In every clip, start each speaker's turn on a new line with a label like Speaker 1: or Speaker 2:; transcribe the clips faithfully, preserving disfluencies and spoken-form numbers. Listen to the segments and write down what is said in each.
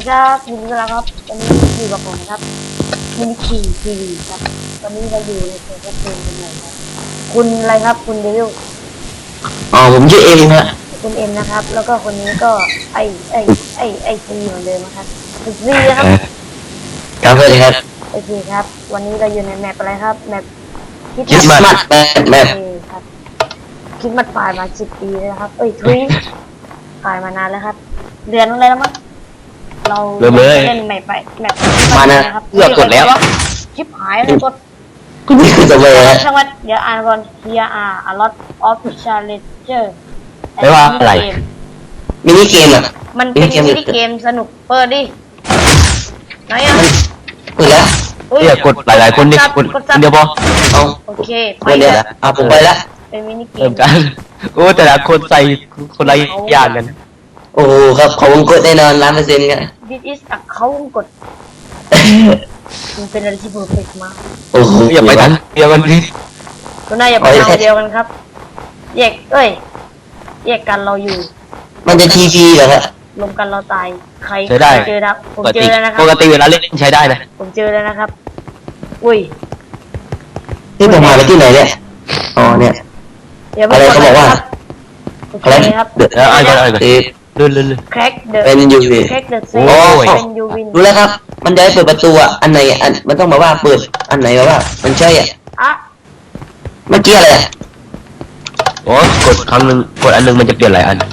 Speaker 1: ดีครับยินดีต้อนรับครับวันนี้อยู่กับผมครับมินิคีทีวีครับวันนี้เราอยู่ในเซอร์ฟเวอร์เกมกันเลยครับคุณอะไรครับคุณเดวิล
Speaker 2: อ๋อผมชื่อเอ็มครับ
Speaker 1: คุณเอ็มนะครับแล้วก็คนนี้ก็ไอไอไอไอซีเหมือนเดิมครับคุณซีนะครับ
Speaker 2: ครับสวัสดีครับ
Speaker 1: โอเคครับวันนี้เราอยู่ในแมปอะไรครับแมป
Speaker 2: คิดมัดแมปแมป
Speaker 1: ครับคิดมัดฝ่ายมาสิบปีแล้วครับเอ้ยทุยฝ่ายมานานแล้วครับเดือนอะไรแล้วมั้งเราเล่นแมปไปแมป
Speaker 2: มานะเลือกกดแล้ว
Speaker 1: ชิปหายเลยกด
Speaker 2: คุณนี่คือจะไปแล้ว
Speaker 1: ช่างมันเดี๋ยวอ่านก่อน here are a lot of challenges
Speaker 2: ไม่ว่าอะไรมินิเกมอ่ะ
Speaker 1: มันเป็นมินิเกมสนุกเปิดดิไหนอ่ะ
Speaker 2: เปิดแล้ว
Speaker 3: เรียกกดหลายๆคนดิกดเดียวพอ
Speaker 2: เอา
Speaker 1: โอเค
Speaker 2: ไปเลยเอาผมไปแล้ว
Speaker 1: เป็นมินิเกม
Speaker 3: กันโอ้แต่ละคนใส่คนละอย่างกัน
Speaker 2: โอ้ครับเขาวงกดแน่นอนล้านเปอร์เซ็นต์กัน
Speaker 1: this is เขาวงกดมันเป็นอะไรที่เพอร์เฟกต์มาก
Speaker 2: โอ้โห
Speaker 3: อย่าไปทันเดียวกันดิ
Speaker 1: ก็น่าอย่าไปทางเดียวกันครับแยกเอ้ยแยกกันเราอยู่
Speaker 2: มันจะทีพีเหรอครับ
Speaker 1: รวมกันเราตายใคร
Speaker 3: ใช้ได้
Speaker 1: เจอครับผมเจอแล้วนะครับ
Speaker 3: ปกติเวลาเล่นใช้ได้เลย
Speaker 1: ผมเจอแล้วนะครับอุ้ย
Speaker 2: ที่ผมมาไปที่ไหนเนี่ยอ๋อเนี่ยอะไรเขาบอกว่า
Speaker 1: อะไรครับ
Speaker 3: เดือดอะไรอะไรเลื่อนเลื่อน
Speaker 1: แคร็กเดอะ
Speaker 2: เป็นยูวี
Speaker 1: แคร็กเดอะเซเป็นยูวิน
Speaker 2: รู้แล้วครับมันจะให้เปิดประตูอ่ะอันไหนอันมันต้องมาว่าเปิดอันไหนแบบว่ามันใช่อ่ะ
Speaker 1: อะ
Speaker 2: เมื่อกี้อะไรอ่ะ
Speaker 3: โอ้กดครั้งหนึ่งกดอันหนึ่งมันจะเปลี่ยนหลายอัน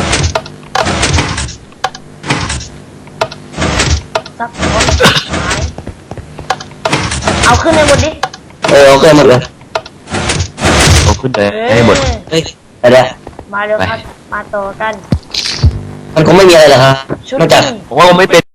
Speaker 1: ซับเอาขึ้นในหมดดิ
Speaker 2: เออโอเคหมดเลย
Speaker 3: เอาขึ้นไปให้หมด
Speaker 2: เฮ้ยอะไร
Speaker 1: มาเร็วครับมาต่อกัน
Speaker 2: มันคงไม่มีอะไรหรอกครับนอกจาก
Speaker 3: ผมว่าไม่เป็น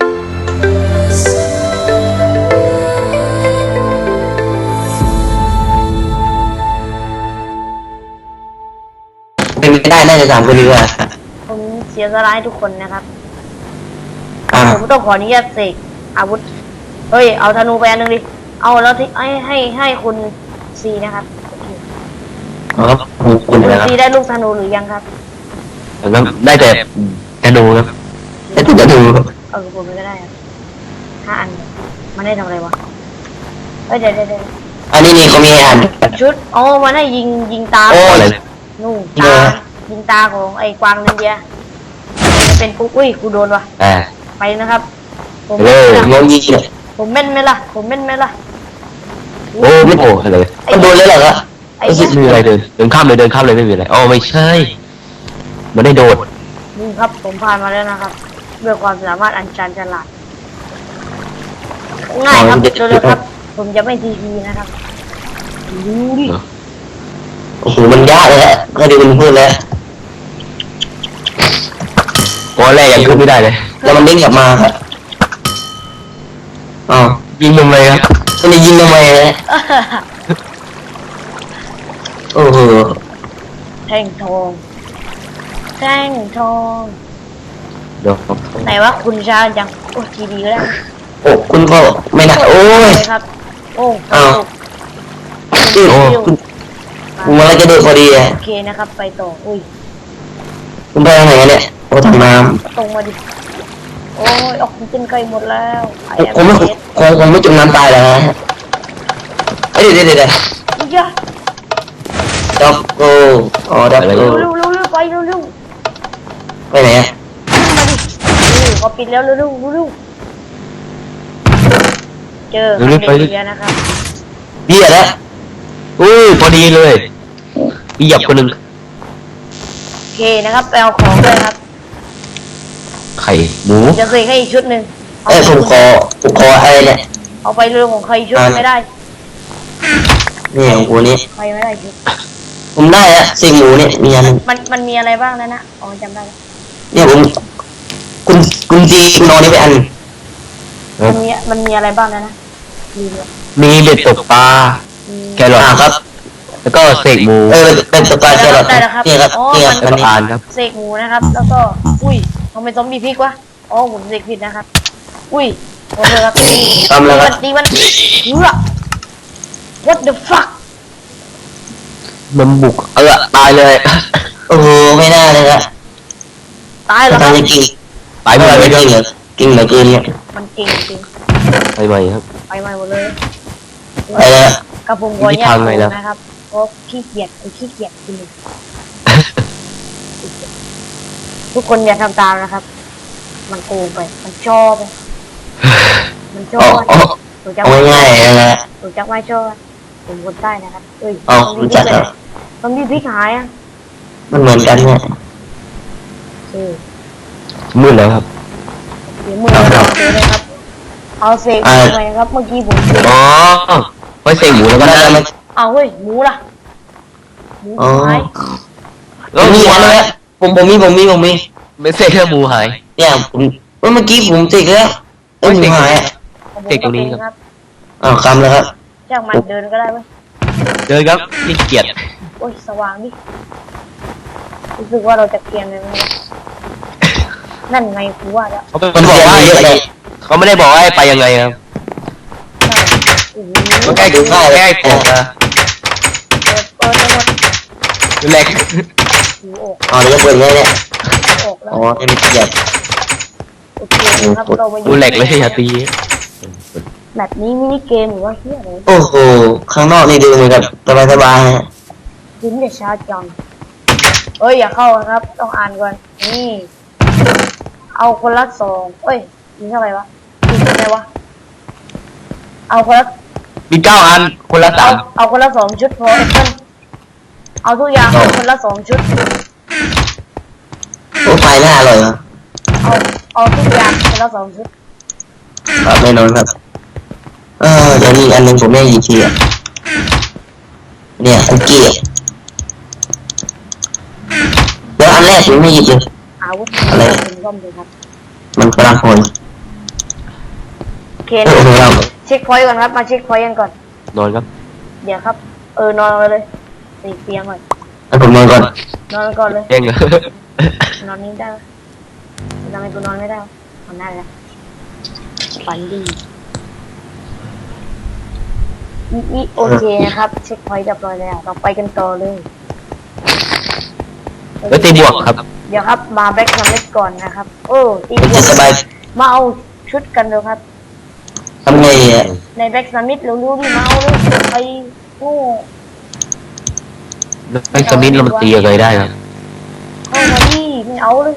Speaker 2: เป็นไม่ได้น่าจะสามคนดีกว่า
Speaker 1: ผมเสียสละให้ทุกคนนะครับผมต้องขออนุญาตเสกอาวุธเฮ้ยเอาธนูไปอันนึงดิเอาแล้วที่ให้ให้ให้คุณซีนะครับ
Speaker 2: ครับคุณ
Speaker 1: ซีได้ลูกธนูหรือยังครับ
Speaker 3: ได้แต่ธนูครับ
Speaker 2: ได้แต่ธนู
Speaker 1: เออผมก็ได้ครับห้าอันมันได้ทำอะไรวะเฮ้ยเดี๋ยวเดี๋ยว
Speaker 2: อันนี้นี่เขามีอัน
Speaker 1: ชุดอ๋อมันให้ยิงยิงตา
Speaker 2: โอ้อะไร
Speaker 1: นู่นตายิงตาของไอ้กวางนินเดียเป็นกูอุ้ยกูโดนวะไปนะครับ
Speaker 2: ผมลงยิงเลย
Speaker 1: ผมเม่นไหมล่ะผมเม่นไหมล่ะ
Speaker 3: โอ้ไม่โอ้อะไร
Speaker 2: มันโดนเลยเหรอครับ
Speaker 3: ไม่มีอะไรเดินเดินข้ามเลยเดินข้ามเลยไม่มีอะไรอ๋อไม่ใช่มันได้โดด
Speaker 1: นี่ครับผมผ่านมาแล้วนะครับด้วยความสามารถอันชันฉลาดง่ายครับเร็วๆครับผมจะไม่ทีพีนะครับดูดิ
Speaker 2: โอ้โหมันยากเลยฮะก็ดีมันพูดแล้ว
Speaker 3: โอ้แรกยังขึ้นไม่ได้เลย
Speaker 2: แล้วมันเด้งกลับมาครับอ๋อ
Speaker 3: ยิงทำไมครับ
Speaker 2: มันจะยิงทำไมนะโอ้โห
Speaker 1: แท่งทองแท่งทอง
Speaker 3: เดี๋ยว
Speaker 1: ไหนว่าคุณชาจังโอ้ทีดีก็ได้
Speaker 2: โอ้คุณก็ไม่น่าโอ้ย
Speaker 1: ครับโอ้
Speaker 2: อ้าวคุณคุณอะไรจะดูพอดีอ่ะ
Speaker 1: โอเคนะครับไปต่ออุ้ย
Speaker 2: คุณไปทางไหนเนี่ยโอ้ทางน้
Speaker 1: ำตรงมาดิโอ้ยออกซิเจนใกล้หมดแล้ว
Speaker 2: ผมไม่คงคงไม่จมน้ำตายแล้วฮะเฮ้ยเดี๋ยวเดี๋ยวเดี๋ยว
Speaker 1: จ้า
Speaker 2: ดับโก้อ๋อดับโก้
Speaker 1: เร็วเร็วเร็วไปเร็วเร็ว
Speaker 2: ไปไหนอ่ะ
Speaker 1: มาดินี่เขาปิดแล้วเร็วเร็วเร็วเจอเบียร์นะครับ
Speaker 2: เบียร์แล้ว
Speaker 3: อุ้ยพอดีเลยเหยียบคนหนึ่ง
Speaker 1: โอเคนะครับไปเอาของเลยครับ
Speaker 3: ไข่หมู
Speaker 1: จะเคยให้อีกชุดหนึ่ง
Speaker 2: เอ้ยผมขอผมขออะไรเนี่ย
Speaker 1: เอาไปเรื่องของใครชุดไม่ได้
Speaker 2: นี่ของกูนี่
Speaker 1: ใครไม่ได้ชุด
Speaker 2: ผมได้อะสิ่งหมูเนี่ยมีอัน
Speaker 1: มันมันมีอะไรบ้างนะนะอ๋อจำได้
Speaker 2: เนี่ยผมคุณคุณจีคุณนอนนี่ไปอัน
Speaker 1: มันมีมันมีอะไรบ้างนะนะ
Speaker 3: มีเบ็ดตกปลาแครอท
Speaker 2: ครับ
Speaker 3: แล้วก็เสกหมู
Speaker 2: เออเป็นตกปลาแครอทนี่ครับนี่ครับ
Speaker 3: มันอ่านครับ
Speaker 1: เสกหมูนะครับแล้วก็อุ้ยทำไมซอมบี้พลิกวะอ๋อผมเสกผิดนะครับอุ้ยโอ้ยครับ
Speaker 2: ทำแล้วครับ
Speaker 1: ตีมันเฮ้อ what the fuck
Speaker 3: มันบุกเออตายเลย
Speaker 2: โอ้โหไม่น่าเลยครับ
Speaker 1: ตายแล้ว
Speaker 2: ตายจริง
Speaker 3: ตายเมื่อไหร่ไม่
Speaker 2: จริงเหรอกินเหลือเกินเนี่ย
Speaker 1: มันเก่งจริง
Speaker 3: ไปใหม่ครับ
Speaker 1: ไปใหม่หมดเลย
Speaker 2: ไปแล้ว
Speaker 1: กระผมขอ
Speaker 3: มี
Speaker 1: แยก
Speaker 3: ทางไงล่ะ
Speaker 1: นะครับเพราะขี้เกียจไอ้ขี้เกียจจริงทุกคนอย่าทำตามนะครับ มันโกงไป มันชอบไปมันชอ
Speaker 2: อ๋อบ อ๋อ
Speaker 1: ถูกจัก
Speaker 2: เอาง่ายๆนะฮะ
Speaker 1: ถูกจักไม่ชอบผมคนใต้นะครับเอ้ย
Speaker 2: เอารู้จักครับ
Speaker 1: ต้องมีพริกหายอ่ะ
Speaker 2: มันเหมือนกันเนี่ย
Speaker 1: เออ
Speaker 3: มืดแล้วครับ
Speaker 1: เดี๋ยวมือเราเจอเลยครับ เอาเสกไปครับ เมื่อกี้ผมเสก
Speaker 3: อ๋อไว้เสกหมูแล้วก็
Speaker 2: ก็
Speaker 3: ได้
Speaker 2: ได้มา
Speaker 1: เอาเฮ้ยหมูล่ะหมู
Speaker 2: อ๋อ
Speaker 1: หาย
Speaker 3: แล้ว
Speaker 2: มี
Speaker 3: มี
Speaker 2: อัน
Speaker 3: อะไร
Speaker 2: นี้ผมผมมีผมมีผมมี
Speaker 3: ไม่เสกแค่หมูหาย
Speaker 2: เนี่ยผมเมื่อกี้ผมติดแล้วเอ้ยหมูหายอ่ะ
Speaker 1: ของผม
Speaker 3: เสกตรงนี้ครับ
Speaker 1: ครับ
Speaker 2: อ้าวคำแล้วครับ
Speaker 1: จ้างมันเดินก็ได้ไหม
Speaker 3: เดินครับนี่เกียรติ
Speaker 1: โอ้ยสว่างดิรู้สึกว่าเราจะเกรียนเลยมั้ยนั่นไงกูว่าแล้ว
Speaker 3: เขาเป็นคนบอกว่าให้ไปเขาไม่ได้บอกว่าให้ไปยังไงครับ
Speaker 1: นั่นโอ้โห
Speaker 3: ก็แก้กูแก้กูนะ
Speaker 1: เปิดเปิดแล้วหมด
Speaker 3: แหลก
Speaker 1: หูออก
Speaker 2: อ๋อเดี๋ยวจะเปิดไงเนี่ย
Speaker 1: ออกแล้ว
Speaker 2: อ๋อให้มันเกียบ
Speaker 1: โอเคนะครับเรามา
Speaker 3: กูแหลกเลยอย่าตี
Speaker 1: แบบนี้มินิเกมหรือว่าเฮียอะไร
Speaker 2: โอ้โหข้างนอกนี่ดูเหมือนกับสบายสบายๆฮะ
Speaker 1: ยิ้มแต่ช้าจังเอ้ยอย่าเข้านะครับ ต้องอ่านก่อนนี่ เอาคนละสองเอ้ยมีเท่าไหร่วะมีเท่าไหร่วะเอาคนละ
Speaker 3: มีเก้าอันคนละ
Speaker 1: เอา
Speaker 3: สาม
Speaker 1: เอาคนละสองชุดพอเอ็นเอาทุกอย่างเอาคนละสองชุด
Speaker 2: โอ้ไฟหน้าอร่อยเหรอ
Speaker 1: เอาเอาทุกอย่างคนละสองชุด
Speaker 2: ครับแน่นอนครับเออเดี๋ยวนี้อันหนึงผมไม่หยิบทีอ่ะเนี่ยคุกกี้อะเดี๋ยวอันแรกผมไม่หยิบเลย
Speaker 1: อาวุธ
Speaker 2: อะไร
Speaker 1: ถึงร่มเลยครับ
Speaker 2: มันกำลังพล
Speaker 1: โอเค
Speaker 2: โอ้
Speaker 1: นะ
Speaker 2: โหเรา
Speaker 1: เช็คพอยต์ก่อนครับมาเช็คพอยต์กันก่อน
Speaker 3: นอนครับ
Speaker 1: เดี๋ยวครับ เออนอนเลยตีเตียงก่อน
Speaker 2: ให้ผมนอนก่อน
Speaker 1: นอนก่อนเลย
Speaker 3: เองเหรอน
Speaker 1: อนนี้ได้ไหมทำไมกูนอนไม่ได้วะนอนได้แล้วฝันดีอีอีโอเคนะครับ เช็คพอยต์เรียบร้อยแล้วเราไปกันต่อเลย
Speaker 3: แล้วตีบวกครับ
Speaker 1: เดี๋ยวครับมาแบ็คซัมเล็กก่อนนะครับโอ้ตี
Speaker 2: มัน
Speaker 1: บว
Speaker 2: จะ
Speaker 1: ก
Speaker 2: สบาย
Speaker 1: มาเอาชุดกันเร็วครับ
Speaker 2: ทำไงอ่ะ
Speaker 1: ในแบ็คซัมมิตเร็วๆดิมาเอาเลยไปโง่
Speaker 3: ไอ้สมิธเรามาตียังไงได้ครับ
Speaker 1: เข้ามาดิไม่เอาเลย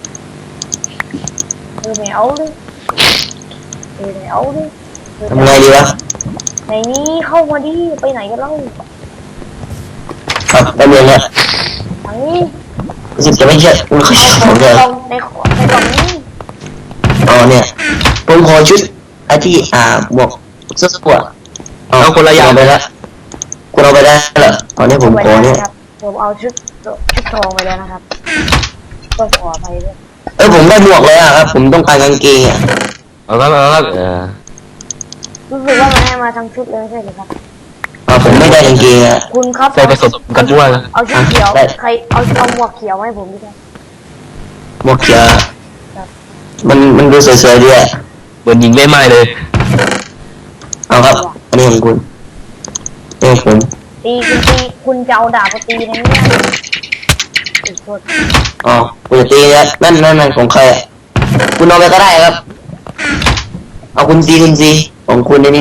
Speaker 1: เออไม่เอาเลยเออไม่เอาเลยเออ
Speaker 2: ทำไงดีวะ
Speaker 1: ในนี้เข้ามาดิไปไหนกันเล่า
Speaker 2: ครับได้เรียนแล้ว
Speaker 1: ทางนี้
Speaker 2: รู้สึกจะไม่เชื่ออุ้ยเขา
Speaker 1: เอา
Speaker 2: ช
Speaker 1: ข
Speaker 2: อ
Speaker 1: อบ ง
Speaker 2: ผมเลย
Speaker 1: กล่องในขอในกล่องนี้
Speaker 2: อ๋อเนี่ยผมขอชุดไอ้ที่อ่าบวกเสื้อสวด
Speaker 3: เอาคนละอย่าง
Speaker 2: ไปแล้วคุณเอาไปได้เหรอตอนนี้ผมขอเนี่ย
Speaker 1: ครับผมเอาชุดชุดทองไปแล้วนะครับต้องขอไปด้วย
Speaker 2: เออผมได้บวกเลยอ่ะครับ ผมต้องการกางเกงอ่ะ
Speaker 3: เอาครับเอาครับเออ
Speaker 1: รู้สึกว่ามันให้มาทั้งชุดเลยไม่ใช่หรือครับ
Speaker 2: อ่าผมไม่ได้กางเกงอ่ะ
Speaker 1: คุณครับ
Speaker 3: ใส่ผสมกันด้วยครับ
Speaker 1: เอาชุดเขียว
Speaker 2: ได้
Speaker 1: ใครเอาเอาหมวกเขียวมาให้ผมดิครับ
Speaker 2: บวกเขียว
Speaker 1: ครับ
Speaker 2: มันมันดูสวยๆดีอ่ะ
Speaker 3: เหมือนยิงไม่ไหม้เลย
Speaker 2: เอาครับ อันนี้ของคุณนี่ของผม
Speaker 1: ตีคุณตีคุณจะเอาดาบมาตีในนี้นะอีกคน
Speaker 2: อ๋อคุณจะตีแล้วนั่นนั่นนั่นของใครอ่ะคุณเอาไปก็ได้ครับ เอาคุณซีคุณซีของคุณในนี้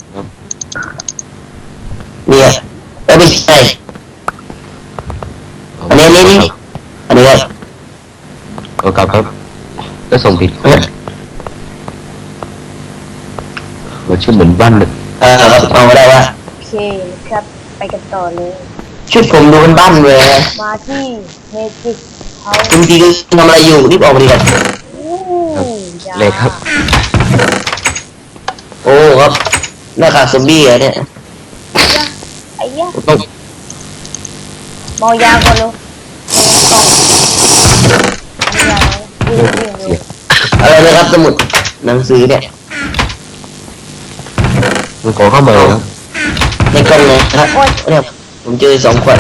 Speaker 2: เนี่ยเอ้ยไม่ใช่อันนี้อันนี้นี่อันนี้ครับ
Speaker 3: เอากลับครับก็ส่งผิด
Speaker 2: เออ
Speaker 3: มันชื่อเหมือนบ้านเลย
Speaker 2: เออครับเอามาได้ว่า
Speaker 1: โอเคครับไปกันต่อเลย
Speaker 2: ชุดผมดูเป็นบ้านเลยนะ
Speaker 1: มาที่เมจิกเขา
Speaker 2: คุณซีคุณทำอะไรอยู่รีบออกมาดีกว่า
Speaker 1: อู้ยา
Speaker 3: เลยครับ
Speaker 2: โอ้ครับหน้ากากซอมบี้อะเนี่ย
Speaker 1: ไอ้เหี้ย
Speaker 3: ต้อง
Speaker 1: เมายาก่อนเร็วเอายาแล้ววิ่งวิ่งเร็ว
Speaker 2: อะไรนะครับสมุดหนังสือเนี่ย
Speaker 3: มันขอเข้ามาครับ
Speaker 2: ในกล่องเลยครับเนี่ยผมเจอสองขวด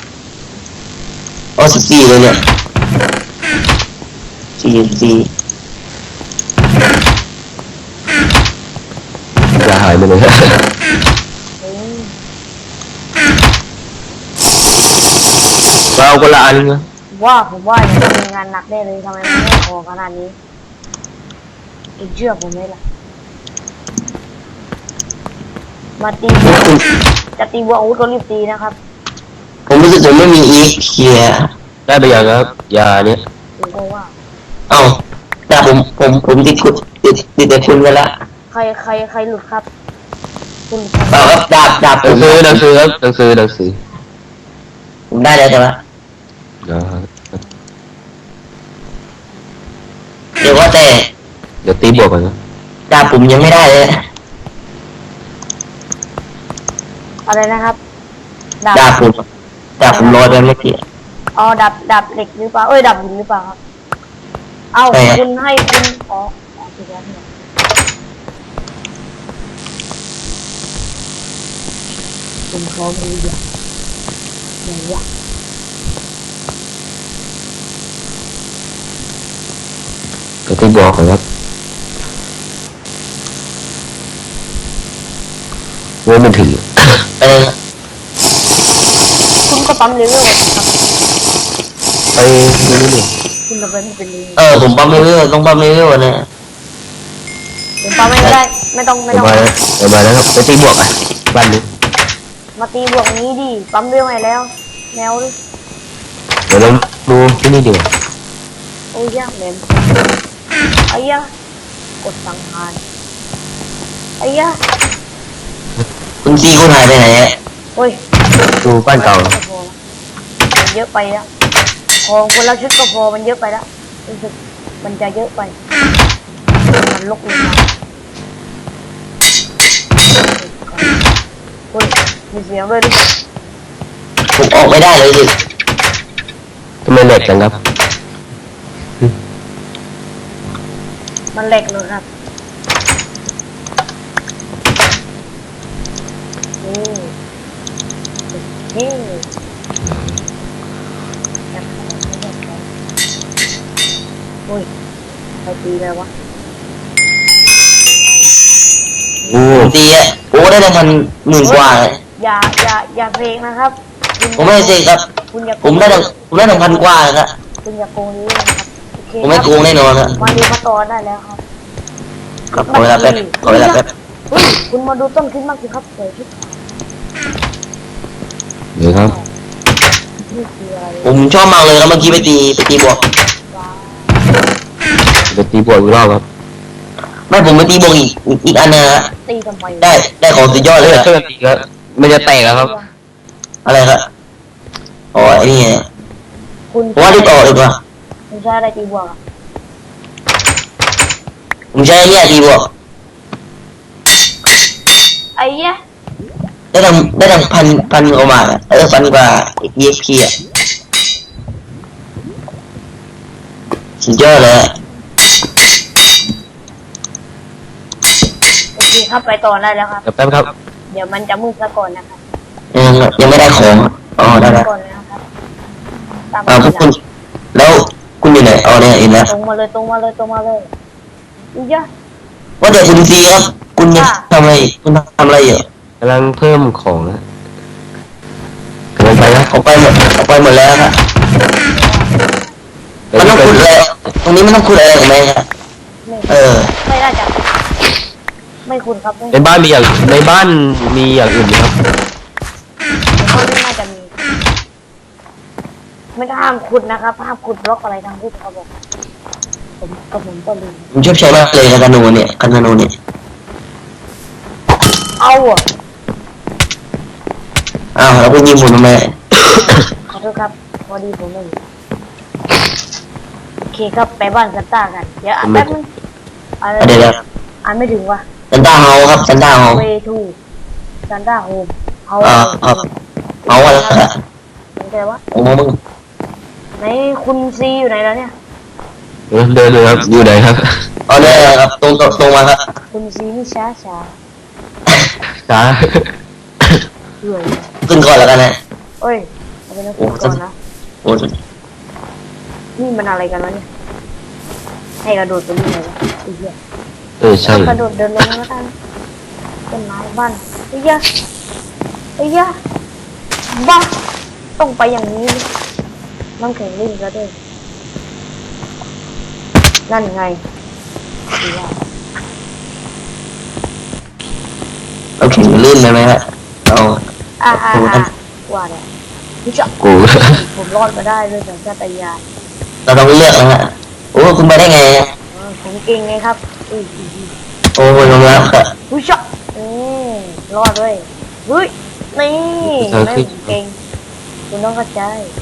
Speaker 2: อ๋อสิบสี่เลยเนี่ยสี่สี่
Speaker 3: จะหายไปเลย
Speaker 1: เฮ้ย
Speaker 3: เราคนละอันนะ
Speaker 1: ว่าผมว่าเนี่ยมีงานหนักแน่เลยทำไมมันไม่พอขนาดนี้เองเชื่อผมไหมล่ะมาตี
Speaker 2: นี่คุณ
Speaker 1: จะตีวัวอาวุธก็รีบตีนะครับ
Speaker 2: ผมรู้สึกผมไม่มีอีกเคลียร์
Speaker 3: ได้ไปยังครับยาเนี่ย
Speaker 1: ผมก็ว่า
Speaker 2: เอ้าแต่ผมผมผมติดคุณติดติดแต่คุณไปละ
Speaker 1: ใครใครใครหลุดครับ คุณ
Speaker 2: เปล่าครับดาบดาบ
Speaker 3: ห
Speaker 2: ผ
Speaker 3: นัง
Speaker 2: ม
Speaker 3: สือหนังสือครับหนังสือหนังสือ
Speaker 2: ผมได้แล้วใช่ไหม
Speaker 3: นะครับ
Speaker 2: เดี๋ยวว่าแต่
Speaker 3: เดี๋ยวตีบวกกันนะ
Speaker 2: ดาบผมยังไม่ได้เลย
Speaker 1: อะไรนะครับดาบ
Speaker 2: ดาบผมดาบผมลอยไปเมื่อกี้
Speaker 1: อ๋อดับดับเหล็กหรือเปล่าเอ้ยดับหินหรือเปล่าครับเอา
Speaker 2: ใช่ครับ
Speaker 1: คุณให้คุณอ๋ออ๋อถูกแล้วเนี่ยคุณเขาไม่รู้อย่างอย่างเงี้ย
Speaker 3: เดี๋ยวตีบวกกันครับเว้ยมันถือ
Speaker 2: ไปเลย
Speaker 1: คุณก็ปั๊มเลเวลครับ
Speaker 3: ไปนี่นี่
Speaker 1: คุณจะไปไม่เป็นเลย
Speaker 2: เออผมปั๊มเรื่อยๆต้องปั๊มเรื่อยๆเนี่ย
Speaker 1: ผมปั๊มไม่ได้ ไม่ต้องไม่
Speaker 3: เดี๋ย
Speaker 1: ต้
Speaker 3: ว
Speaker 1: อง
Speaker 3: มาแล้วเดี๋ยวมาแล้วครับไปตีบวกอ่ะบ้านนี้
Speaker 1: มาตีบวกนี้ดิปั๊มเรื่องไหนแล้วแนวดิ
Speaker 3: เดี๋ยวเราดูที่นี่ดีกว่า
Speaker 1: โอ้ยยากเหม็นไอ้ยะกดสังหารไอ้ยะ
Speaker 2: คุณซีคุณหายไปไหนอะ
Speaker 1: โอ้ย
Speaker 3: ดูบ้านเก่า
Speaker 1: ไม่พอมันเยอะไปแล้วของคนละชุดก็พอมันเยอะไปแล้วรู้สึกมันจะเยอะไปมันลกลงมาโอ้ยมีเสียงด้วยดิ
Speaker 2: ผมออกไม่ได้เลยสิ
Speaker 3: ทำไมเหล็กจังครับ
Speaker 1: มันแหลกเลยครับนี่นี่โอ้ยใครตีเลยวะ
Speaker 3: โอ้
Speaker 2: คุณซีอะโอ้ได้รางวัลหมื่นกว่าเลย
Speaker 1: อย่าอย่าอย่าเพลงนะครับคุณ
Speaker 2: ผมไม่ได้เสกครับ
Speaker 1: คุณอย่าโก
Speaker 2: ผม
Speaker 1: ง
Speaker 2: ได้รางผมได้รางวัลกว่าเลยครับ
Speaker 1: คุณอย่าโกงนี้นะครับโอเค
Speaker 2: ผมไม่โกงแน่นอนครับ
Speaker 1: มาดูมาต่อได้แล้วครับ
Speaker 2: ครับขอเวลาแป๊บขอเวลาแป๊บ
Speaker 1: เฮ้ยคุณมาดูต้นคริสต์มาสสิครับสวยที่สุด
Speaker 3: เดี๋ยวครับ
Speaker 1: นี่คืออะไร
Speaker 2: ผมชอบมากเลยครับเมื่อกี้ไปตีไปตีบวก
Speaker 1: ว้าว
Speaker 3: เดี๋ยวตีบวกอีกรอบครับ
Speaker 2: ไม่ผมไปตีบวกอีกอีกอีกอันนึงฮะ
Speaker 1: ตีทำไม
Speaker 2: ได้ได้ของสุดยอดเลย
Speaker 3: เดี๋ยว
Speaker 2: อะ
Speaker 3: ช่วยกันตีครับมันจะแตกแล้วครับ
Speaker 2: อะไรครับอ๋อไอ้นี่ไง
Speaker 1: คุณ
Speaker 2: ผมว่ารีบออกดีกว่า
Speaker 1: คุณใช้อะไรตีบวกอะ
Speaker 2: ผมใช้ไอ้เนี่ยตีบวก
Speaker 1: ไอ้เหี้ย
Speaker 2: ได้ตั้งได้ตั้งพันพันกว่าบาทอะเออพันกว่า อี เอ็ก พี อ่ะสุดยอดเลยอะ
Speaker 1: โอเคครับไปต่อได้แล้วครับ
Speaker 3: เดี๋ยวแป๊บครับ
Speaker 1: เดี๋ยวมันจะมืดซะก่อนนะครับ
Speaker 2: ยังยังไม่ได้ของอะอ๋อได้แล้ว
Speaker 1: ก่อนเลยนะครับตาม
Speaker 2: อ่าพวกคุณแล้วคุณอยู่ไหนอ๋อเนี่ยเห็นแล้ว
Speaker 1: ตรงมาเลยตรงมาเลยตรงมาเลยอีเหี้ย
Speaker 2: ว่าแต่คุณซีครับ คุณยังทำอะไรคุณทำอะไรอยู่
Speaker 3: กำลังเพิ่มของนะกำลังไปนะ
Speaker 2: เขาไปหมดเขาไปหมดแล้วครับ
Speaker 3: เดี๋ยว
Speaker 2: มันต้อง
Speaker 3: ไป
Speaker 2: ขุดอะไรตรงนี้มันต้องขุดอะไรของแม่ครับ
Speaker 1: ไม่
Speaker 2: เออ
Speaker 1: ไม่น่าจะไม่คุณครับไม่
Speaker 3: ในบ้านมีอย่างในบ้านมีอย่างอื่นไหมครับ
Speaker 1: เขาไม่น่าจะมี ไม่ห้ามขุดนะครับห้ามขุดบล็อกอะไรทั้งที่เขาบอกผมกับผมก็ลืม
Speaker 2: ผมชอบใช้มากเลยคานูเนี่ยคานูเนี่ย
Speaker 1: เอาอ่ะ
Speaker 2: อ้าวแล้วคุณยิงผมทำไม
Speaker 1: ขอโทษครับพอดีผมไม่อยู่โอเคครับไปบ้านซันต้ากันเดี๋ยวอ่านแป๊บนึงอะไร
Speaker 2: เดี๋ยวเดี๋ยว
Speaker 1: อ่านไม่ถึงว่ะ
Speaker 2: ซันต้าเฮาครับซันต้าเฮา
Speaker 1: เวทูซันต้าโฮมเฮา
Speaker 2: อ่าครับเฮาอะไรอะ
Speaker 1: สนใจวะ
Speaker 2: โอ้โหมึง
Speaker 1: ไหนคุณซีอยู่ไหนแล้วเนี่ย
Speaker 3: เดินเดินเลยครับอยู่ไหนครับ
Speaker 2: เอาเลยครับตรงตรงตรงมาครับ
Speaker 1: คุณซีนี่ช้าช้า
Speaker 3: จ้า
Speaker 1: เหนื่อย
Speaker 2: ขึ้นก่อนแล้วกันนะ
Speaker 1: เอ้ยเอาไปนะคุณก่อนนะ
Speaker 2: โอ้
Speaker 1: นี่มันอะไรกันวะเนี่ยให้กระโดดไปนี่เลยวะไอ้เหี้ย
Speaker 3: เออใช่
Speaker 1: กระโดดเดินลงแล้วกันต้นไม้บ้านไอ้เหี้ยไอ้เหี้ยบ้าต้องไปอย่างนี้น้ำแข็งลิ่นกระเด้งนั่นไงดีว่า
Speaker 2: เราแข่งลื่นเลยไหมฮะเรา
Speaker 1: อ่าอ่าอ่าว่าเนี่ยพี่จะ
Speaker 3: กู
Speaker 1: ผมรอดมาได้ด้วยสัญชาตญาณ
Speaker 2: เราต้องเลือกนะฮะโอ้คุณไปได้ไงฮะ
Speaker 1: เออผมเก่งไงครับอุ้ยอุ้ยอุ้ย
Speaker 2: โอ้ยยอมรับครับ
Speaker 1: อุ้ยชะอืมรอดด้วยเฮ้ยนี่ไม่ผมเก่งคุณต้องเข้าใจ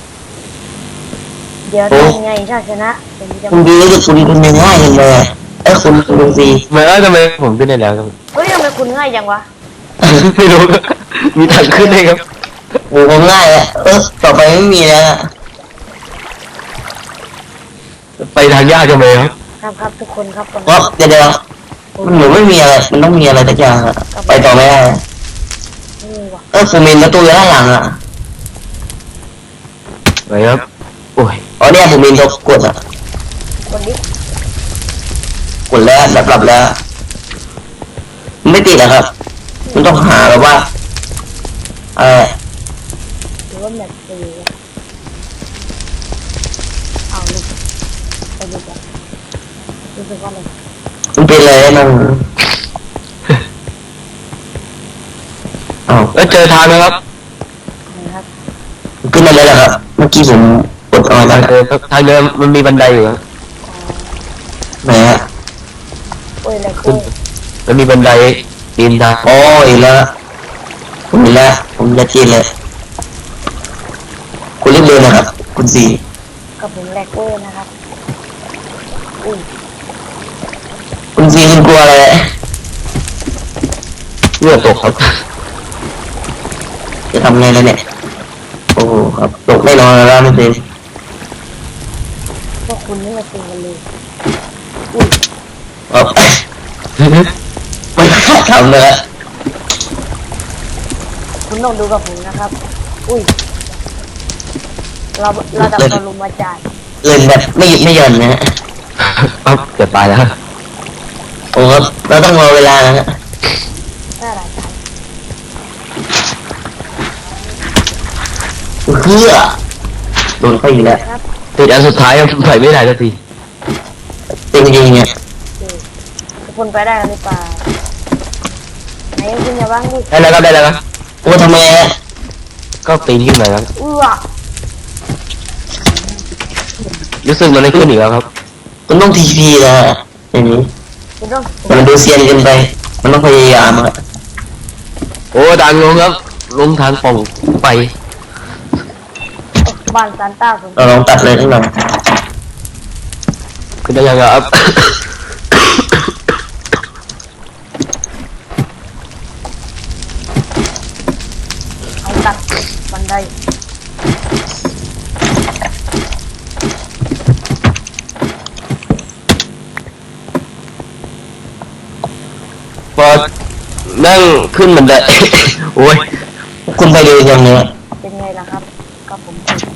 Speaker 1: เดี๋ยวทำไงถ้าชนะผมจะ
Speaker 2: คุณดีรู้สึกคุณคุณยังง่ายจังเลยอะเอ้ยคุณคุณซี
Speaker 3: ไม่เออทำไมผมขึ้นได้แล้วครับ
Speaker 1: เฮ้ยทำไมคุณง่ายจังวะ
Speaker 3: ไม่รู้ครับมีทางขึ้นได้ครับ
Speaker 2: โอ้ผมง่ายอะเออต่อไปไม่มีแล้วอะ
Speaker 3: ไปทางยากจังเลยครับ
Speaker 1: ครับครับทุกคนครับคน
Speaker 2: เพราะเดี๋ยวเดี๋ยวมันเหมือนไม่มีอะไรมันต้องมีอะไรสักอย่างอะไปต่อไม่ได้อะ
Speaker 1: นี่วะ
Speaker 2: เออผมมีประตูอยู่ด้านหลังอะ
Speaker 3: ไปครับโอ้ย
Speaker 2: อ๋อเนี่ยผมมีตัวกดอะ
Speaker 1: คนนี้
Speaker 2: กดแล้วแบบหลับแล้วมันไม่ติดอะครับ มันต้องหาแบบว่าเออ
Speaker 1: หรือว่าแบบตีวะเอาลูกไปดูกันรู้สึกว่าอะไร
Speaker 2: มันเป็นอะไรมันอ้าว
Speaker 3: แล้วเจอทางไหมครับ
Speaker 1: นะครับ
Speaker 2: ขึ้นมาเลยเหรอครับ เมื่อกี้ผมกดเอาไว้
Speaker 3: ทาง
Speaker 2: แล้ว
Speaker 3: เดินครับทางเดินมันมีบันไดอยู่ครับ
Speaker 2: ไหนฮะ
Speaker 1: โอ้ยอะไร
Speaker 3: ขึ้
Speaker 1: กู
Speaker 3: นมันมีบันไดปีนทาง
Speaker 2: อ๋ออีกแล้วผมอีกแล้วผมจะจีนเลย คุณรีบเดินนะครับ คุณสี่
Speaker 1: กับผมแลกเวอร์นะครับอุ้ย
Speaker 2: คุณสี่คุณกลัวอะไร
Speaker 3: เลือดตกครับ
Speaker 2: จะทำไงแล้วเนี่ย โอ้โหครับตกไม่นอนแล้วไม่เป็น
Speaker 1: พวกคุณนี่มาตีกันเลยอุ้ย
Speaker 2: ครับ ไม่ทำเลยอะ
Speaker 1: คุณต้องดูกับผมนะครับอุ้ยเราระดับปรมาจารย์
Speaker 2: เล่นแบบไม่หยุดไม่หย่อนนะฮะ
Speaker 3: ครับเกือบตายแล้ว
Speaker 2: โอ้ครับเราต้องรอเวลานะฮะ
Speaker 1: น่ารักจัง
Speaker 2: เพื่อโดนเข้าอีกแล้ว
Speaker 1: ครับ
Speaker 3: ติดอันสุดท้ายครับใส่ไม่ได้สักที
Speaker 2: จริงๆเนี่ย
Speaker 1: โอเคทุกคนไปได้กันหรือเปล่าไหนคุณอย่าบ้างดิ
Speaker 3: ได้แล้วครับได้แล้วครับ
Speaker 2: โอ้ทำไมฮะ
Speaker 3: ก็ปีนขึ้นมาครับ
Speaker 1: เอื้อ
Speaker 3: รู้สึกมันไม่ขึ้นอีกแล้วครับ
Speaker 2: คุณต้องทีพีนะฮะอย่างนี้
Speaker 1: คุณต้อง
Speaker 2: แต่มันดูเซียนเกินไป มันต้องพยายามอะ
Speaker 3: โอ้ดังลงครับลงทางป่องไป
Speaker 1: บ้านซานต้าผม
Speaker 2: เราลองตัดเลยทั้งหลัง
Speaker 3: ขึ้นได้ยังครับ
Speaker 1: เอาตัดบันได
Speaker 3: พอนั่งขึ้นมันได้ โอ้ย
Speaker 2: คุณไปดูยังเนี่ย
Speaker 1: เป็นไงล่ะครับก็ผม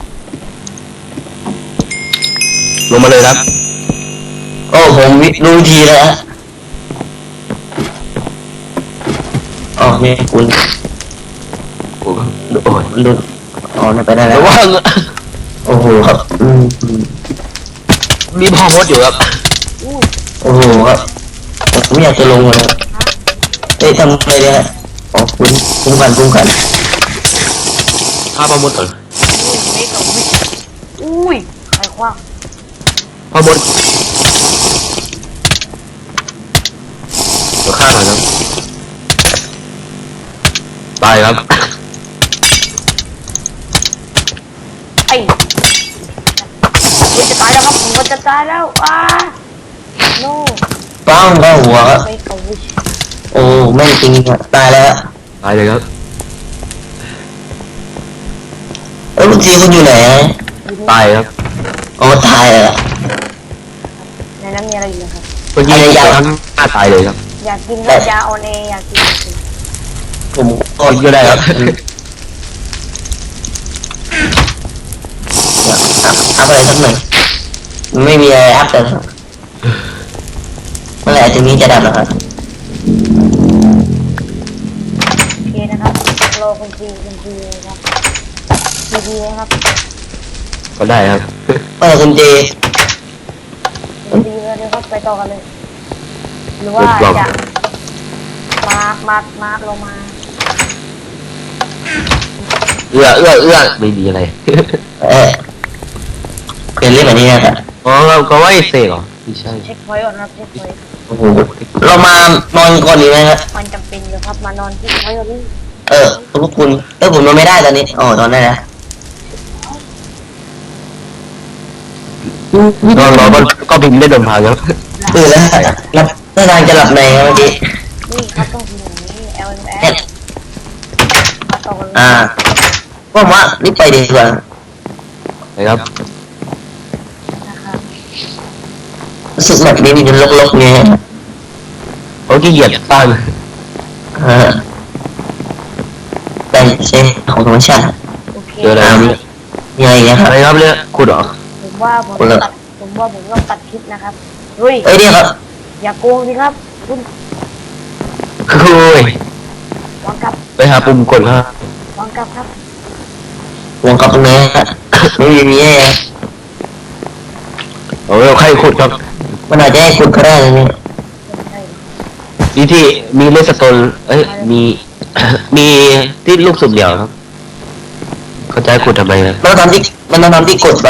Speaker 3: ลงมาเลยครับ
Speaker 2: โอ้ผมรู้วิธีแล้วฮะอ๋อนี่คุณ
Speaker 3: โอ้โอ้ย
Speaker 2: มันดูอ๋อเนี่ยไปได้แล้
Speaker 3: ระ
Speaker 2: ว
Speaker 3: วัง
Speaker 2: โอ้โหครับอืมอืม
Speaker 3: มีพ่อมดอยู่ครับ
Speaker 1: อุ้ย
Speaker 2: โอ้โหครับผมอยากจะลงเลยเอ้ยทำไงเนี่ยฮะอ๋อคุณคุ้มกันคุ้มกัน
Speaker 3: ฆ่าพ่อมดก่อน
Speaker 1: อุ้ยไม่กับวิอุ้ยใครคว้าง
Speaker 3: พ่อมดเดี๋ยวฆ่าหน่อยครับตายครับ
Speaker 1: ไอ้ผมจะตายแล้วครับผมก็จะตายแล้วอ้าโน่
Speaker 2: ป้างเข้าหัวครับ
Speaker 1: ไม่กับวิ
Speaker 2: โอ้ไม่จริงอะตายแล้ว
Speaker 3: ตายเลยครับ
Speaker 2: เอ้ยคุณซีคุณอยู่ไหนฮะ
Speaker 3: ตายครับ
Speaker 2: อ๋อตายแล้ว
Speaker 1: ในนั้นมีอะไรอยู่นะครับ
Speaker 3: เมื่อกี้ทั้งหน้าตายเลยครับ
Speaker 1: อยากกินก็ยาออนเออยากกินก็กิน
Speaker 2: ผมก็
Speaker 3: กินก็ได้ครับ
Speaker 2: อัพอะไรสักหน่อยมันไม่มีอะไรอัพแต่เมื่อไหร่จะมีจะดับนะครับ
Speaker 1: โอเคนะครับรอคุณซีคุณซีนะครับดีดีนะครับ
Speaker 3: ก็ได้ครับ
Speaker 2: เออคุณเจ
Speaker 1: คุณซีเลยเดี๋ยวครับไปต่อกันเลย หรือว่าจะมามามาลงมา
Speaker 3: เอื้อเอื้อเอื้อไม่มีอะไร
Speaker 2: เออเป็นเรื่องแบบนี้นะครับ
Speaker 3: อ๋อเราก็ว่าไอ้เสกเหรอไม่ใช่
Speaker 1: เช็คพอยต์ก่อนครับเช็คพอยต์
Speaker 2: โอ้โหเรามานอนก่อนดีไหมครับ
Speaker 1: มันจำเป็นอยู่ครับมานอนที่พอยต์ก่อนนี่
Speaker 2: เออขอบคุณเออผมนอนไม่ได้ตอนนี้อ๋อนอนได้แล้ว
Speaker 3: นอนรอก็ก็บินได้เดินทางครับ
Speaker 2: ตื่นแล้วหลับท่าทางจะหลับในครับเมื่อกี้
Speaker 1: นี่ครับต้องทีอย่างนี้ L M
Speaker 2: เนี่ย
Speaker 1: L มาต่อกันเลย
Speaker 2: อ่าผมว่ารีบไปดีกว่า
Speaker 3: นะครับ
Speaker 1: นะครับ
Speaker 2: รู้สึกแบบนี้มันลกๆไง
Speaker 3: โอ้ขี้เกียจสร้าง
Speaker 2: เออแต่ใช่ของธรรมชาติ
Speaker 1: โอเค
Speaker 3: เจออะไรครับ
Speaker 2: มีอะไรเนี่ยค
Speaker 3: อะ
Speaker 2: รับ
Speaker 3: ไรครับเนี่ยขุดเหรอ
Speaker 1: ผมว่าผม
Speaker 2: คนละ
Speaker 1: ตัดผมว่าผมต้องตัดคลิปนะครับเฮ้ย
Speaker 2: เอ้ยเนี่ยครับ
Speaker 1: อย่าโกงสิครับคุณ
Speaker 3: โอ้ยว
Speaker 1: างกลับ
Speaker 3: ไปหาปุ่มกดครับ
Speaker 1: วางกลับครับ
Speaker 2: วงกลับตรงนี้ฮะไม่มีมีอะไร
Speaker 3: โอ้ยใครขุดครับ
Speaker 2: มันอาจจะให้คุณก็ได้นะเนี่ย
Speaker 1: ไม่ใช่
Speaker 3: นี่ที่มีเลสโตนเอ้ยมี มีที่ลูกสุดเดียวครับเขาจะให้ขุดทำไมนะ
Speaker 2: มันต้องทำที่มันต้องทำที่กดมา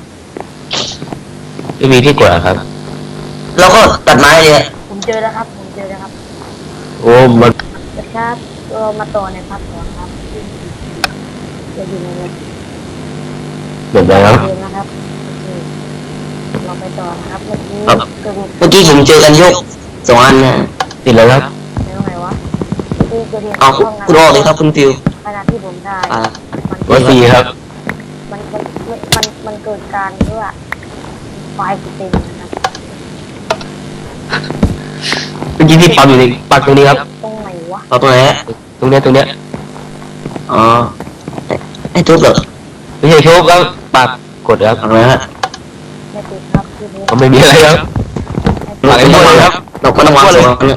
Speaker 3: ไม่มีที่กดอะครับ
Speaker 2: แล้วก็ตัดไม้เลยอะ
Speaker 1: ผมเจอแล้วครับผมเจอแล้วครับ
Speaker 3: โอ้มัน
Speaker 1: นะครับเรามาต่อในภาคสองครับจะอยู่ในเว็บ
Speaker 3: เดี๋ยวแล้ว
Speaker 1: เดิมนะครับโอเคเราไปต่อนะครับเมื่อกี้
Speaker 2: ครับ
Speaker 1: เกิดเหตุ
Speaker 2: เมื่อกี้ผมเจอกันยกสองอันนะ
Speaker 3: ติดแล้วครับ
Speaker 1: ในตรงไหนวะเมื่อกี้เกิดเหตุ
Speaker 2: เอา
Speaker 1: ห้องน้ำ
Speaker 2: คุณออกเลยครับคุณฟิว
Speaker 1: ขณะที่ผมถ่าย
Speaker 2: อ่า
Speaker 1: มัน
Speaker 3: วั
Speaker 1: เกิ
Speaker 3: น
Speaker 1: ด
Speaker 3: สี่ครับ
Speaker 1: มันมันมันมันเกิดการที่ว่าไฟล์เต็มนะครับ
Speaker 3: เมื่อกี้ที่ปั๊มอยู่ในปักตรงนี้ครับ
Speaker 1: ตรงไหนวะ
Speaker 2: เอาตัวไหนฮะ
Speaker 3: ตรงเนี้ยตรงเนี้ย
Speaker 2: อ๋อไอ้ไอ้ทุบเหรอ
Speaker 3: ไม่ใช่โชคครับปักกดครับ
Speaker 2: เอาไหนฮะ
Speaker 1: ไม่ติดครับคือผม
Speaker 3: ก็ไม่มีอะไรครับ
Speaker 2: เราไม่ต้องวางครับเราไม่ต้องวางสองอันเนี่ย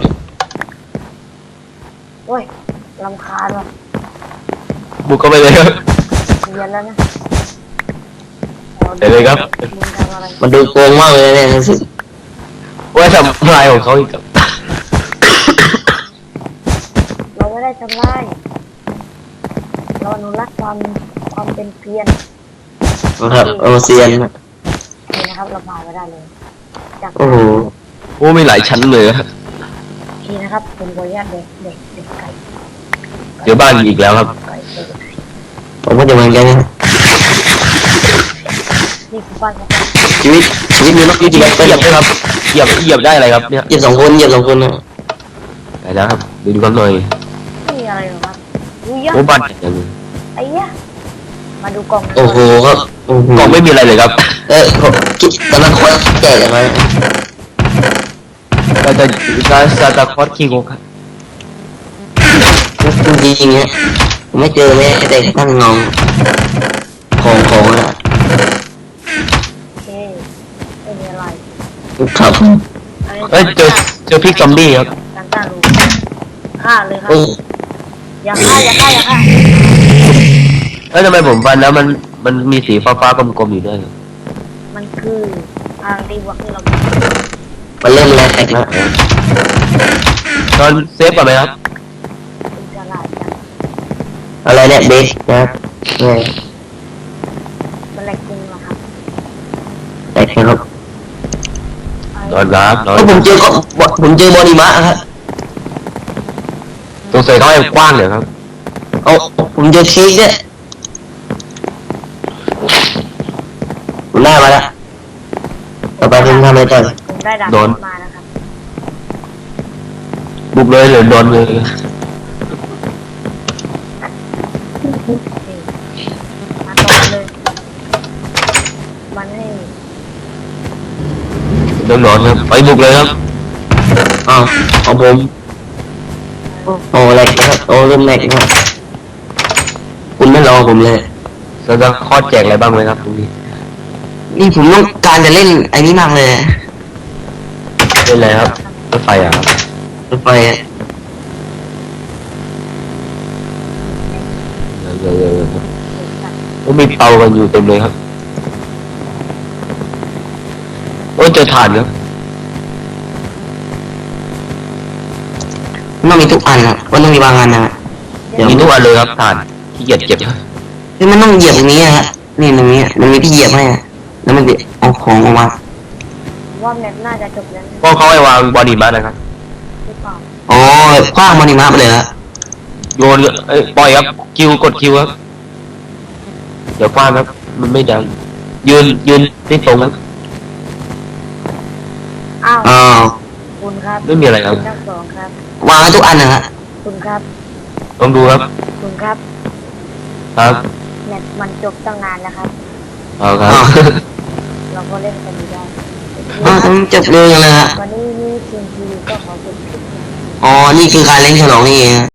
Speaker 1: โอ้ยลำคาญว่ะ
Speaker 3: บุกเข้าไปเลยครับ
Speaker 1: เรียนแล้วนะ
Speaker 3: เดี๋ยวเลยครับ
Speaker 1: มึงทำอะไร
Speaker 2: มันดูโกงมากเลยเนี่ยรู้สึก
Speaker 3: ว่าทำลายของเขาอีกครับ
Speaker 1: เราไม่ได้ทำลายเราอนุรักษ์ความความเป็นเพียร
Speaker 2: นะครับโอเซียนนะ
Speaker 1: นี่นะครับเราผ่านมาได้เลย จาก
Speaker 2: โอ้โห
Speaker 3: โอ้มีหลายชั้นเลยครับ
Speaker 1: ทีนะครับผมขออนุญาตเด็กเด็กเด็กไก่
Speaker 3: เดี๋ยวบ้านอีกแล้วครับ
Speaker 1: ไก่เด็กไก่
Speaker 2: ผมก็จะเหมือนกันนะ
Speaker 1: นี่คือบ้านของ
Speaker 2: ชีวิตชีวิตมีนก
Speaker 3: เหยี
Speaker 2: ยี่
Speaker 3: ย
Speaker 2: สิ
Speaker 3: บบ เหยียบ
Speaker 2: ไป
Speaker 3: เหยียบได้ครับเหยียบเหยียบได้อะไรครับเนี่ย
Speaker 2: เหยียบสองคนเหยียบสองคนนะ
Speaker 3: ได้แล้วครับดูดูกันหน่อย
Speaker 1: ไม่มีอะไรหรอกครับดูยะ
Speaker 3: โอ้บ้านอย่างนี้
Speaker 1: ไอ้ยะมาดูกล่องนะ
Speaker 2: โอ้โหครับโอ้โห
Speaker 3: กล่องไม่มีอะไรเลยครับ
Speaker 2: เออผมคิดตอนนั้นคนแก่กันไหม
Speaker 3: ก็จะก็ซาตาคอสคิงครับ
Speaker 2: จริงๆเนี่ยผมไม่เจอแม้แต่ตั้งเงาของของนะ
Speaker 1: โอเคไม่มีอะไร
Speaker 2: ครับ
Speaker 1: อันนี้
Speaker 3: เอ้ยเจอเจอพริกซอมบี้ครับ
Speaker 1: การตั้งรูฆ่าเลยครับ
Speaker 2: โอ้
Speaker 1: อย่าฆ่าอย่าฆ่าอย่าฆ่า
Speaker 3: เอ้ยทำไมผมฟันแล้วมันมันมีสีฟ้าฟ้าๆกลมๆอยู่ด้วยครับ
Speaker 1: มันคือทางตีบวกที่เรา
Speaker 2: มันเริ่มแรงแตกแล้ว
Speaker 3: ตอนเซฟก่อนไหมครับ
Speaker 1: เป็นฉลาดจัง
Speaker 2: อะไรเนี่ยเบสนะเนี่ย
Speaker 1: มันแหลกจริงเหรอครับ
Speaker 2: แตกครับ
Speaker 3: นอนรับนอน
Speaker 2: ก็ผมเจอก็ผมเจอบอดี้มะครับ
Speaker 3: ตรงใส่เขาให้กว้างเลยครับ
Speaker 2: เอาผมเจอเค้กเนี่ยผมได้มาแล้วต่อไปผมทำอะไรต่อ
Speaker 1: ผมได้ดาบ
Speaker 3: โดน
Speaker 1: มานะครับ
Speaker 3: บุกเลยหรือโดนเลย
Speaker 1: นี่มาต่อเลยมันให้
Speaker 3: โดนนอนครับไปบุกเลยครับ
Speaker 2: อ้าวของผมโอ้แหลกนะครับโอ้เริ่มแหลกนะครับคุณไม่รอผมเลย
Speaker 3: ซาตาคอสแจกอะไรบ้างไหมครับตรงนี้
Speaker 2: นี่ผมต้องการจะเล่นไอ้นี้มากเลย
Speaker 3: เป็นอะไรครับรถไฟอ่ะครับ
Speaker 2: รถไฟอะ
Speaker 3: เออโอ้มีเตากันอยู่เต็มเลยครับโอ้เจอถ่านครับ
Speaker 2: มันมีทุกอันอันนะมันต้องมีบางอันนะเดี๋ยว
Speaker 3: มีทุกอันเลยครับฐานขี้เกียจเก็บ
Speaker 2: คือมันต้องเหยียบตรงนี้อะฮะนี่ตรงนี้มันมีที่เหยียบให้อะแล้วมันจะเอาของออกมา
Speaker 1: ว่าแมปน่าจะจบแล้วนะ
Speaker 3: ก็เขาให้วางบอดี้มานะครับ
Speaker 1: หรือเปล่า
Speaker 2: อ๋อคว้างมันนี่มาไปเลยฮะ
Speaker 3: โยนเอ้ยปล่อยครับคิวกดคิวครับเดี๋ยวฟาดครับมันไม่ดังยืนยืนที่ตรงครับ
Speaker 1: อ้าว
Speaker 2: อ้าว
Speaker 1: คุณครับ
Speaker 3: ไม่มีอะไรครับ
Speaker 1: ณทั้งสองครับ
Speaker 2: วางไว้ทุกอันนะฮะ
Speaker 1: คุณครับ
Speaker 3: ลองดูครับ
Speaker 1: คุณครับ
Speaker 3: ครับ
Speaker 1: แมปมันจบตั้งนานแล้วครับ
Speaker 3: เอาครับ
Speaker 2: อ้าว
Speaker 1: เราก็เล่นกันไม่ได้
Speaker 2: อ้าวทำไมจบเร็วจังเลยฮะ
Speaker 1: วันนี้นี่ทีมทีวีก็ขอจบคลิปนี้
Speaker 2: อ๋อนี่คือการเล่นฉลองนี่เองฮะ